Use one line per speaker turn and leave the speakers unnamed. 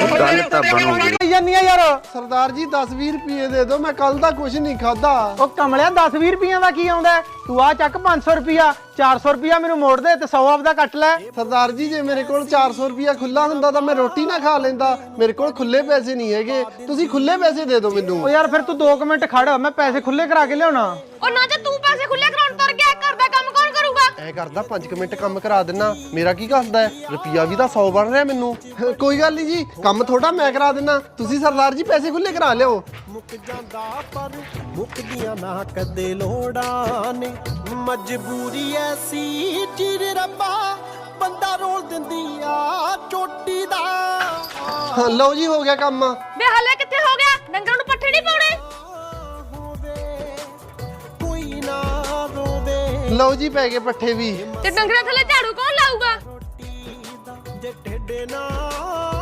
ਗੱਲ ਤਾਂ ਬਣੂਗੀ
ਜਾਨੀ ਆ ਯਾਰ
ਸਰਦਾਰ ਜੀ 10-20 ਰੁਪਏ ਦੇ ਦਿਓ, ਮੈਂ ਕੱਲ ਦਾ ਕੁਝ ਨਹੀਂ ਖਾਦਾ।
ਉਹ ਕਮਲਿਆ 10-20 ਰੁਪਈਆਂ ਦਾ ਕੀ ਆਉਂਦਾ? ਤੂੰ ਆ ਚੱਕ 500 ਰੁਪਿਆ, 400 ਰੁਪਿਆ ਮੈਨੂੰ ਮੋੜ ਦੇ ਤੇ 100 ਆਪਦਾ ਕੱਟ ਲੈ।
ਸਰਦਾਰ ਜੀ ਜੇ ਮੇਰੇ ਕੋਲ 400 ਰੁਪਿਆ ਖੁੱਲਾ ਹੁੰਦਾ ਤਾਂ ਮੈਂ ਰੋਟੀ ਨਾ ਖਾ ਲੈਂਦਾ। ਮੇਰੇ ਕੋਲ ਖੁੱਲੇ ਪੈਸੇ ਨਹੀਂ ਹੈਗੇ, ਤੁਸੀਂ ਖੁੱਲੇ ਪੈਸੇ ਦੇ ਦਿਓ ਮੈਨੂੰ।
ਉਹ ਯਾਰ ਫਿਰ ਤੂੰ 2 ਮਿੰਟ ਖੜ, ਮੈਂ ਪੈਸੇ ਖੁੱਲੇ ਕਰਾ ਕੇ ਲਿਆਉਣਾ।
ਉਹ ਨਾ ਜੇ ਤੂੰ ਪੈਸੇ ਖੁੱਲੇ ਕਰਾਉਣ ਤੁਰ ਗਿਆ, ਘਰ ਦਾ ਕੰਮ ਕੌਣ ਕਰੂਗਾ?
ਐ ਕਰਦਾ 5 ਮਿੰਟ ਕੰਮ ਕਰਾ ਦੇਣਾ, ਮੇਰਾ ਕੀ ਕਰਦਾ ਹੈ? ਰੁਪਿਆ ਵੀ ਤਾਂ 100 ਬਣ ਰਿਹਾ ਮੈਨੂੰ। ਕੋਈ ਗੱਲ ਨਹੀਂ ਜੀ, ਕੰਮ ਥੋੜਾ ਮੈਂ ਕਰਾ ਦੇਣਾ, ਤੁਸੀਂ ਸਰਦਾਰ ਜੀ ਪੈਸੇ ਖੁੱਲੇ ਕਰਾ ਲਿਓ।
ਮੁੱਕ ਜਾਂਦਾ ਪਰ ਮੁੱਕਦੀਆਂ ਨਾ ਕਦੇ ਲੋੜਾਂ ਨੇ, ਮਜਬੂਰੀ ਐਸੀ ਚੀਰ ਰੱਬਾ ਬੰਦਾ ਰੋਲ ਦਿੰਦੀ ਆ ਚੋਟੀ ਦਾ।
ਹਾਂ ਲਓ ਜੀ, ਹੋ ਗਿਆ ਕੰਮ।
ਵੇ ਹਲੇ ਕਿੱਥੇ ਹੋ ਗਿਆ? ਡੰਗਰਾਂ ਨੂੰ ਪੱਠੇ ਨਹੀਂ ਪਾਉਣੇ?
ਕੋਈ ਨਾ ਰੋਵੇ,
ਲਓ ਜੀ ਪੈ ਗਏ ਪੱਠੇ ਵੀ।
ਤੇ ਡੰਗਰਾਂ ਥੱਲੇ ਝਾੜੂ ਕੌਣ ਲਾਊਗਾ?
ਜੇ ਢਿੱਡ ਨਾ